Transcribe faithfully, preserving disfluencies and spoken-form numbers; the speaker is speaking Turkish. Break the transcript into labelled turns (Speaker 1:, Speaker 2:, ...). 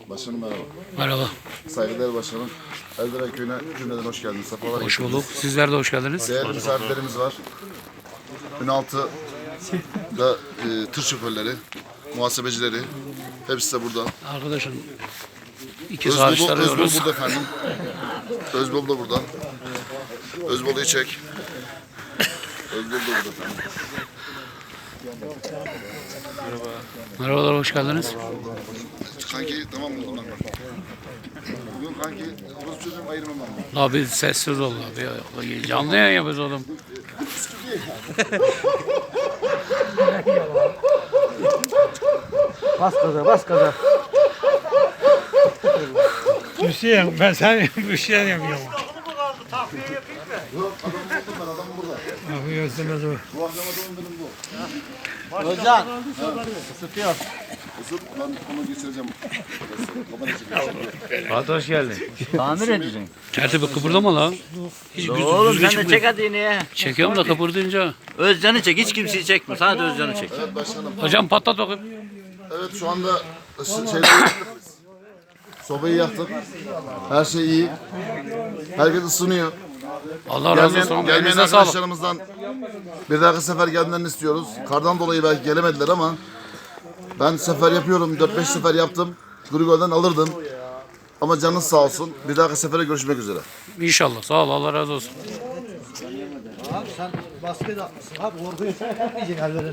Speaker 1: Başkanım merhaba.
Speaker 2: Merhaba.
Speaker 1: Saygıdeğer başkanım. Elderen Köyü'ne cümleden hoş geldiniz. Sefalar
Speaker 2: Hoş
Speaker 1: getirdiniz.
Speaker 2: bulduk. Sizler de hoş geldiniz.
Speaker 1: Değerli misafirlerimiz var. Ünaltı'da e, tır şoförleri, muhasebecileri. Hepsi de burada.
Speaker 2: Arkadaşım iki
Speaker 1: Özbol,
Speaker 2: saat
Speaker 1: Özbol
Speaker 2: arıyoruz.
Speaker 1: burada efendim. Özbol da burada. Özbol'u çek. Özbol da burada efendim.
Speaker 2: Merhabalar, hoş geldiniz.
Speaker 1: Kanki tamam mı? Bunlar var. Bugün kanki orası çocuğum ayırmam ben.
Speaker 2: Abi sessiz ol abi. Canlı yayın yapıyoruz oğlum.
Speaker 3: Bas gaza, bas gaza.
Speaker 4: Hüseyin ben sen bir şey yapıyorum.
Speaker 1: Yok adam buldum ben adam burada.
Speaker 4: Yapıyorsunuz o.
Speaker 1: Bu akşama doğum günüm bu.
Speaker 3: Özcan. Isıtıyor.
Speaker 1: Isıt ben onu geçireceğim. Kamera çekeceğim.
Speaker 3: Hadi hoş geldin. Tamir edeceksin.
Speaker 2: Tertibi kıpırdama lan. Hiç düz-
Speaker 3: Oğlum
Speaker 2: düzgün
Speaker 3: sen de
Speaker 2: çıkmıyor.
Speaker 3: çek hadi yine.
Speaker 2: Çekiyorum da kıpırdayınca.
Speaker 3: Özcan'ı çek. Hiç kimseyi çekme. Sadece Özcan'ı çek.
Speaker 1: Evet başkanım.
Speaker 2: Hocam patlat bakayım.
Speaker 1: Evet şu anda ısı- şeyleri yaktık biz. Sobayı yaktık. Her şey iyi. Herkes ısınıyor.
Speaker 2: Allah razı
Speaker 1: Gelmeyen,
Speaker 2: olsun.
Speaker 1: gelmeyen
Speaker 2: Elinize sağlık.
Speaker 1: arkadaşlarımızdan bir dahaki sefer gelmelerini istiyoruz. Kardan dolayı belki gelemediler ama ben sefer yapıyorum. dört beş sefer yaptım. Grigol'den alırdım. Ama canınız sağ olsun. Bir dahaki sefere görüşmek üzere.
Speaker 2: İnşallah. Sağ ol. Allah razı olsun.
Speaker 5: Abi sen basket atmışsın abi. Orada yiyeceksin ellerini.